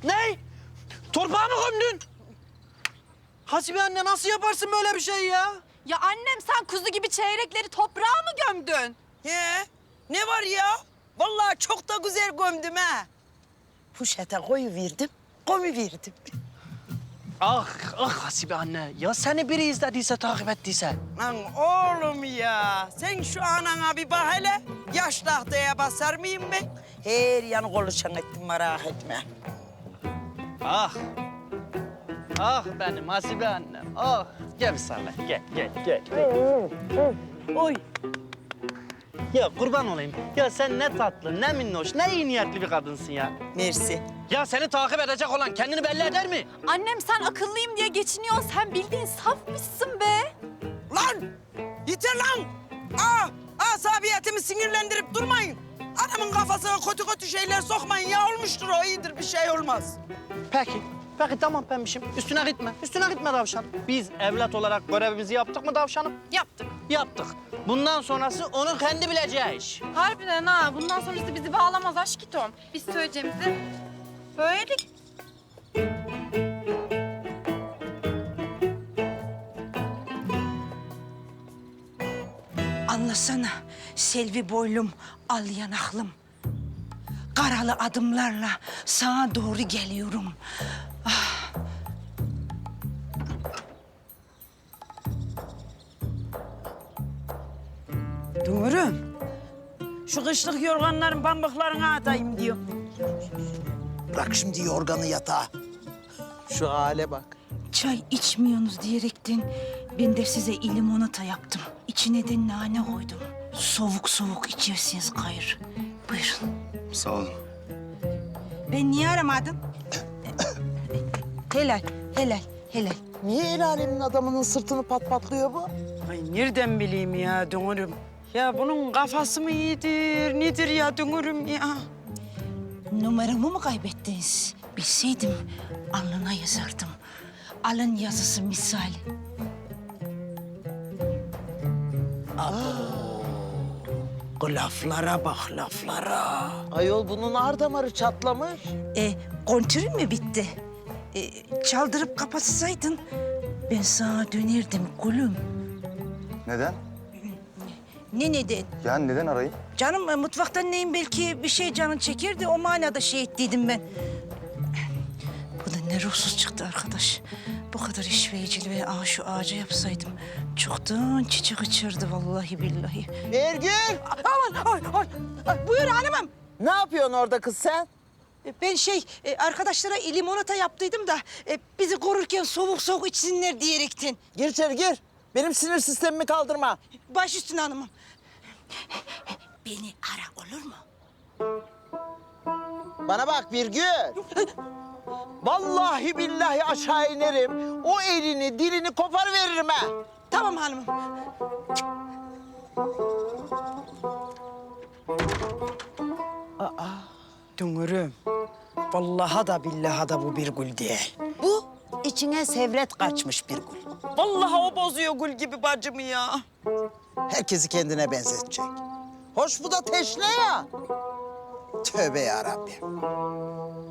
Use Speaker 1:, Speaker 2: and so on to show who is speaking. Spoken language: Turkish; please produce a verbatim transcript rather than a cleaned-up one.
Speaker 1: Ne? Torpağı mı gömdün? Hasibe anne nasıl yaparsın böyle bir şey ya?
Speaker 2: Ya annem sen kuzu gibi çeyrekleri toprağa mı gömdün?
Speaker 3: He, ne var ya? Vallahi çok da güzel gömdüm ha. Poşete koyuverdim, koyuverdim.
Speaker 1: Ah, ah Hasibe anne. Ya seni biri izlediyse, takip ettiyse.
Speaker 3: Lan oğlum ya, sen şu anana bir bak hele. Yaş tahtaya basar mıyım ben? Her yanı konuşan ettim, merak etme.
Speaker 1: Ah. Ah benim Hasibe annem. Ah. Gel bir sarla. Gel, gel, gel. gel.
Speaker 3: Oy.
Speaker 1: Ya kurban olayım. Ya sen ne tatlı, ne minnoş, ne iyi niyetli bir kadınsın ya.
Speaker 3: Mersi.
Speaker 1: Ya seni takip edecek olan kendini belli eder mi?
Speaker 2: Annem sen akıllıyım diye geçiniyorsun. Sen bildiğin safmışsın be.
Speaker 3: Lan! Yeter lan! Aa, asabiyetimi sinirlendirip durmayın. Adamın kafasına kötü kötü şeyler sokmayın ya. Olmuştur o, iyidir, bir şey olmaz.
Speaker 1: Peki. Peki tamam pembişim. Üstüne gitme. Üstüne gitme tavşan. Biz evlat olarak görevimizi yaptık mı tavşanım?
Speaker 2: Yaptık.
Speaker 1: Yaptık. Bundan sonrası onun kendi bileceği iş.
Speaker 2: Harbiden ha. Bundan sonrası bizi bağlamaz aşkitom. Biz söyleyeceğimizi söyledik.
Speaker 4: Anlasana Selvi boylum, al yanaklım. Karalı adımlarla sana doğru geliyorum.
Speaker 3: Dumurum. Şu kışlık yorganların pamuklarına atayım diyor.
Speaker 5: Bırak şimdi yorganı yatağa. Şu hale bak.
Speaker 4: Çay içmiyorsunuz diyerekten ben de size limonata yaptım. İçine de nane koydum. Soğuk soğuk içersiniz kayır. Buyurun.
Speaker 5: Sağ olun.
Speaker 4: Ben niye aramadım? helal, helal, helal.
Speaker 5: Niye el alemin adamının sırtını pat patlıyor bu?
Speaker 3: Ay nereden bileyim ya Dumurum? Ya bunun kafası mı iyidir, nedir ya Dumurum ya?
Speaker 4: Numaramı mı kaybettiniz? Bilseydim alnına yazardım. Alın yazısı misal.
Speaker 3: O laflara bak, laflara.
Speaker 5: Ayol bunun ar damarı çatlamış.
Speaker 4: E, kontürün mü bitti? E, çaldırıp kapatsaydın ben sana dönerdim gülüm.
Speaker 6: Neden?
Speaker 4: Ne neden?
Speaker 6: Yani neden arayayım?
Speaker 4: Canım e, mutfaktan neyim belki bir şey canın çekirdi o manada şey ettiydim ben. Bu da ne ruhsuz çıktı arkadaş. Bu kadar işveyiciliği aa şu ağaca yapsaydım çoktan çiçek açırdı vallahi billahi.
Speaker 5: Ergül!
Speaker 4: Aman ay ay, ay buyur hanımım.
Speaker 5: Ne yapıyorsun orada kız sen?
Speaker 4: E, Ben şey e, arkadaşlara limonata yaptıydım da e, bizi korurken soğuk soğuk içsinler diyerekten.
Speaker 5: Gir içeri gir. Benim sinir sistemimi kaldırma.
Speaker 4: Baş üstüne hanımım. Beni ara olur mu?
Speaker 5: Bana bak Birgül. Vallahi billahi aşağı inerim. O elini dilini kopar veririm ha.
Speaker 4: Tamam hanımım.
Speaker 3: Dumurum. Vallahi da billahi da bu bir gül değil. Bu içine sevret kaçmış bir gül. Vallahi o bozuyor gül gibi bacımı ya.
Speaker 5: Herkesi kendine benzetecek. Hoş bu da teşne ya. Tövbe yarabbim.